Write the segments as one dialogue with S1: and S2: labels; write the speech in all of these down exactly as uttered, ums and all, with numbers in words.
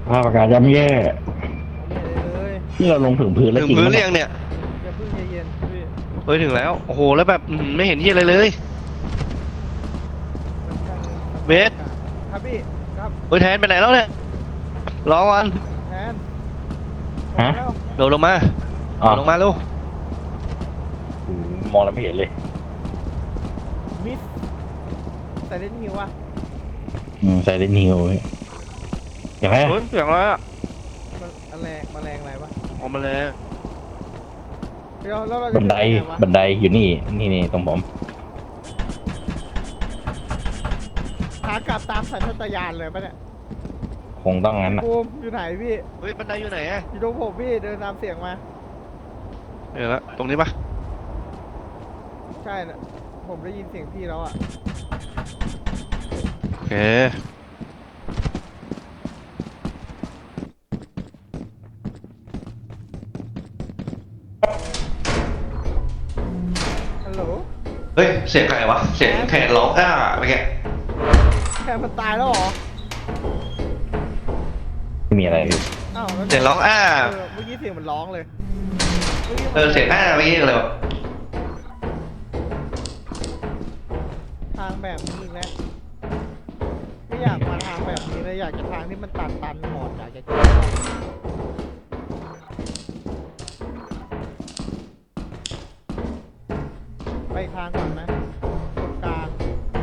S1: ภาพอากาศย่ำแย่
S2: เลย
S1: ที่เราลงถึงพื้นแล้ว
S3: ถึง
S1: จริง
S3: พื้น
S1: มั้ย
S3: เรียงเนี่ย
S2: อย่าเพิ่งใจเย็นพี่
S3: เฮ้ยถึงแล้วโอ้โหแล้วแบบไม่เห็นที่อะไรเลยเบส
S2: ครับพี่ครับ
S3: เฮ้ยแทนไปไหนแล้วเนี่ยรอวัน
S2: แทน
S1: ฮะ
S3: โดดลงมา
S1: อ๋อ
S3: ลงมาลูก
S1: อืมมองแล้วไม่เห็นเลย
S2: มิสแต่เล่นฮิวอ่ะ
S1: อืมใส่ได้นิวอย่างไร
S3: เฮ้ยเสียงอะไรอ่ะ
S2: มันแรงมาแรงอะไรวะ
S3: ออกมาเลย
S2: เดี๋ยวแล้วเราจะ
S1: บันได
S2: ขึ้ยังงวะ
S1: บันไดอยู่นี่นี่นี่ตรงผม
S2: ขากลับตามสัญชาตญาณเลยปะเนี่ย
S1: คงต้องงั้นนะ
S2: ภูมิอยู่ไหนพี่
S3: เฮ้ยบันไดอยู่ไหนอ่ะ
S2: อยู่ตรงผมพี่เดินตามเสียงมา
S3: เดี๋ยวละตรงนี้ปะ
S2: ใช่นะผมได้ยินเสียงพี่แล้วอ่ะ
S3: โอเค
S2: ฮัลโหล
S3: เฮ้ยเสียงใครวะเสียงแขนร้องอ้าเมื่อกี้
S2: แค่มันตายแล้วเหรอ
S1: ไม่มีอะไรพี่
S2: อ้าวแล้ว
S3: เสียงร้องอ้า
S2: เออเมื่อกี้เสียงมันร้องเลยมื่กี้มัน
S3: เออเสียงอ้าเมื่อกี้อะไรวะ
S2: ทางแบบนี้อีกแล้วไม่อยากมาทางแบบนี้เลยอยากจะทางที่มันตันตันหมดอยากจะเจอไปทางก่อนไหมตรงกลาง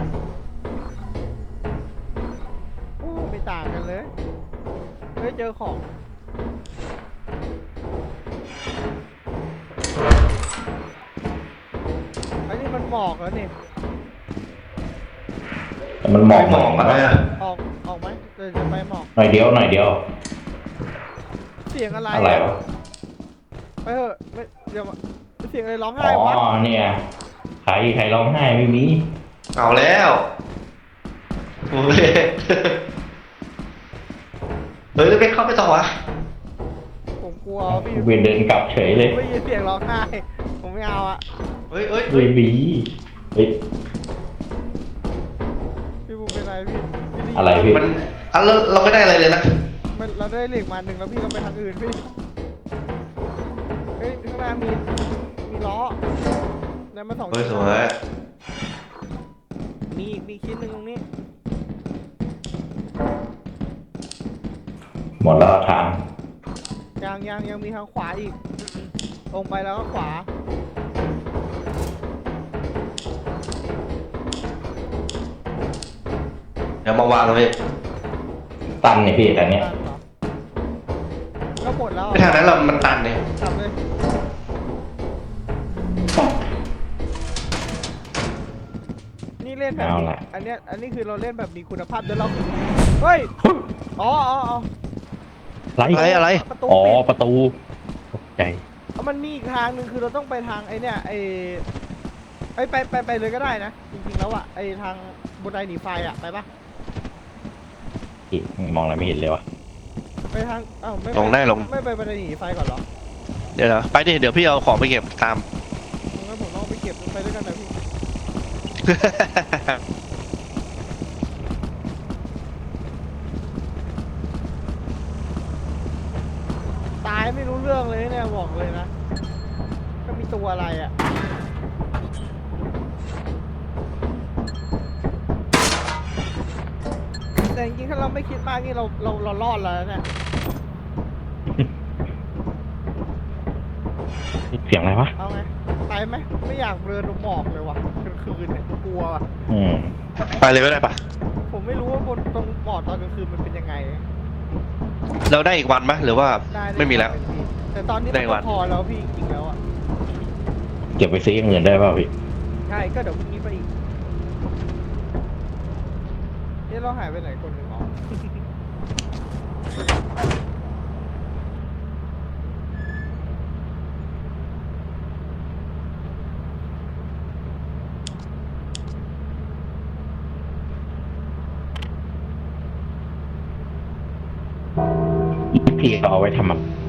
S2: โอ้ไม่ต่างกันเลยเฮ้ยเจอของอันนี้มันหมอกแล้วนี่
S1: แต่มันหมอก
S3: หมอกอะไรอ่ะ
S2: ออกออกไหมเดี๋ยวจะไปหมอก
S1: หน่อยเดียวหน่อยเดียว
S2: เสียงอะไร
S1: อะไรวะ
S2: ไปเถอะไม่เดี๋ยวมาเสียงอะไรร้อง
S1: อ๋
S2: ไห้วะ
S1: อเนี่ยใครใครร้องไห้ไม่มี
S3: เอาแล้วโอ้ยเฮ้ยไม่เข้าไปต่อวะ
S2: ผมกลัวพี่
S1: เวียนเดินกลับเฉยเลย
S2: ไม่ยินเสียงร้องไห้ผมไม่เอาอะ
S3: เฮ้ยเฮ้ย
S1: เฮ้ยบีเฮ้ย
S2: พี่บูมเป็นไรพี่พี่ด้ยิน
S1: อะไรพี่
S3: มันอ่ะเราเราไม่ได้อะไรเลยนะ
S2: มันเราได้เหล็กมาหนึ่งแล้วพี่เราไปทางอื่นพี่เฮ้ยข้างหน้ามีมีล้อแล้วมาสอง
S3: เฮ้ยสวย
S2: มีอีกมีชิ้นหนึ่งตรงนี้
S1: หมดแล้วทาง
S2: ยังยังยังมีทางขวาอีกตรงไปแล้วก็ขวา
S3: เดี๋ยวมาวางตรงนี้
S1: ตันเนี่ยพี่แต่เนี้ย
S2: ตันเหรอก็หมดแล้ว
S3: ไอ้ทางนั้นเรามันตันเนี่ย
S2: กลับเลยนี่เล่นแบบ
S1: เอา
S2: นี้
S1: ละ
S2: อันเนี้ยอันนี้คือเราเล่นแบบมีคุณภาพเดี๋ยวเราเฮ้ยอ๋ออ๋ออ๋อ
S1: ไร
S3: อะไรอะไร
S2: ประตู
S1: อ๋อ
S2: ปิด
S1: ประตูตกใจ
S2: เอามันมีอีกทางหนึ่งคือเราต้องไปทางไอ้เนี่ยไอ้ไอ้ยไปไปไปเลยก็ได้นะ จริงๆแล้วอะไอ้ทางบันไดหนีไฟอะไปปะ
S1: พี่มองอะไรไม่เห็นเลยวะ
S2: ไปทางอ้าวไม่ป
S3: ลงได้ลง
S2: ไม่ไปบันไดหนีไฟก่อนเหรอ
S3: เดี๋ยวนะไปดิเดี๋ยวพี่เอาของไปเก็บตาม
S2: งั้นผมต้องไปเก็บไปด้วยกันนะพี่ตายไม่รู้เรื่องเลยเนี่ยบอกเลยนะก็มีตัวอะไรอะแต่จริงๆถ้าเราไม่คิดมากนี่เราเราเรารอดแล้วนะเนี่ย
S1: เสียงอะไรวะ
S2: เอาไงไปไหมไม่อยากเดินลงหมอกเลยว่ะกลางคืนเนี่ยกลัวว่ะ
S1: อืม
S3: ไปเลยก็ได้ปะ
S2: ผมไม่รู้ว่าบนตรงหมอกตอนกลางคืนมันเป็นยังไง
S3: เราได้อีกวันไหมหรือว่า
S2: ได้ด้
S3: ไม่มีแล้ว
S2: เป็นพี่แต่ตอนนี้
S3: ได้
S2: มัน
S3: วั
S2: ก็
S3: น
S2: พอแล้วพี่จริงๆแล้วอ่ะ
S1: เก็บไปซื้ออย่างอื่นได้เปล่าพี่
S2: ใช่ก็เดี๋ยวพรุ่งนี้ไปอีกเอ๊ะเราหายไปไหนคนหนึ่งอ๋อ
S1: พี่เอาไว้ทำอะ